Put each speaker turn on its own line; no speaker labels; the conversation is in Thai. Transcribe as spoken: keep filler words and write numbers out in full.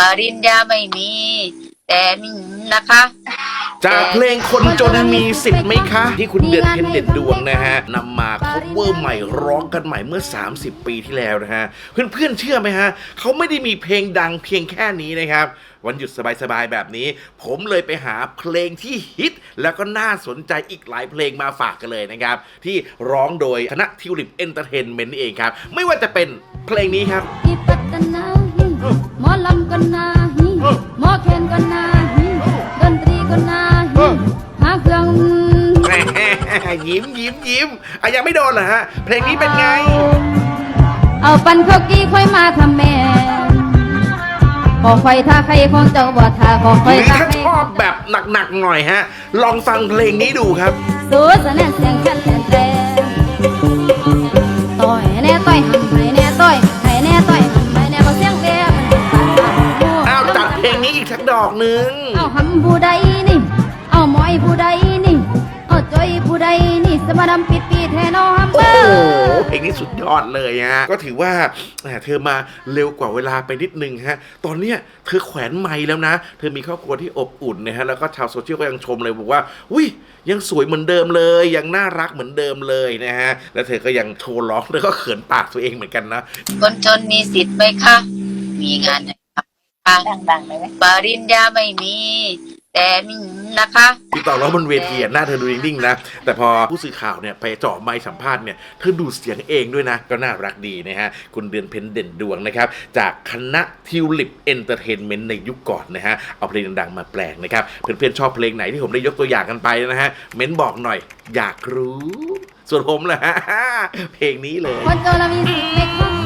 ริญญาไม่มี แต่มีนะคะ
จากเพลงคนจนมีสิทธิ์ไหมคะ ที่คุณเดือนเพ็ญเด่นดวงนะฮะนำมาคัฟเวอร์ใหม่ร้องกันใหม่เมื่อสามสิบปีที่แล้วนะฮะเพื่อนๆเชื่อไหมฮะเขาไม่ได้มีเพลงดังเพียงแค่นี้นะครับวันหยุดสบายๆแบบนี้ผมเลยไปหาเพลงที่ฮิตแล้วก็น่าสนใจอีกหลายเพลงมาฝากกันเลยนะครับที่ร้องโดยคณะทิวลิปเอนเตอร์เทนเมนต์นี่เองครับไม่ว่าจะเป็นเพลงนี้ครับ
ที่ปัตตนาฮีหมอลำก็นาฮีหมอแคนก็นาฮีดนตรีก็นาฮีหาเครื่อง
ยิ้มยิ้มยิ้มอ่ะยังไม่โดนเหรอฮะเพลงนี้เป็นไง
เอาปันข้าวกี้ค่อยมาทำแม่ขอไฟท่าใครของเจ้าบ่ท่าขอไฟ
หรือ
ท่า
ถ้า
ใคร
ชอบแบบหนักๆหน่อยฮะลองฟังเพลงนี้ดูครับ
สู้สะแนนเสียงกันแทนแต่ต่อยแน่ต่อยหันให้แน่ต่อยให้แน่ต่อยหันให้แน่บ่เสียงแว่มันสั่นสั่นหู
อ้าวจัดเพลงนี้อีกสักดอกหนึ่ง
เอาหำผู้ใดนี่ เอาหมอยผู้ใดนี่ เอาจอยผู้ใดนี่สมาดำปิดปีแทนอฮัมเบ
โอ้
อ
โห
ร์
เพลงนี้สุดยอดเลยฮะก็ถือว่าแหมเธอมาเร็วกว่าเวลาไปนิดนึงฮะตอนเนี้ยเธอแขวนไมค์แล้วนะเธอมีครอบครัวที่อบอุ่นนะฮะแล้วก็ชาวโซเชียลก็ยังชมเลยบอกว่าอุ้ยยังสวยเหมือนเดิมเลยยังน่ารักเหมือนเดิมเลยนะฮะแล้วเธอก็ยังโชว์ร้องแล้วก็เขินปากตัวเองเหมือนกันนะ
คนจนมีสิทธิ์ไหมคะ มีงานไหนทำดังๆไหมปริญญาไม่มี แต่มีนะคะ
ที่ตอนร้องบนเวทีหน้าเธอดูนิ่งๆนะแต่พอผู้สื่อข่าวเนี่ยไปเจาะไมค์สัมภาษณ์เนี่ยเธอดูเสียงเองด้วยนะก็น่ารักดีนะฮะคุณเดือนเพ็ญเด่นดวงนะครับจากคณะทิวลิปเอนเตอร์เทนเมนต์ในยุคก่อนนะฮะเอาเพลงดังๆมาแปลงนะครับเพื่อนๆชอบเพลงไหนที่ผมได้ยกตัวอย่างกันไปนะฮะเม้นบอกหน่อยอยากรู้ส่วนผมแหละฮะเพลงนี้เลย
คนโจรมีสิทธิ์ไหมคะ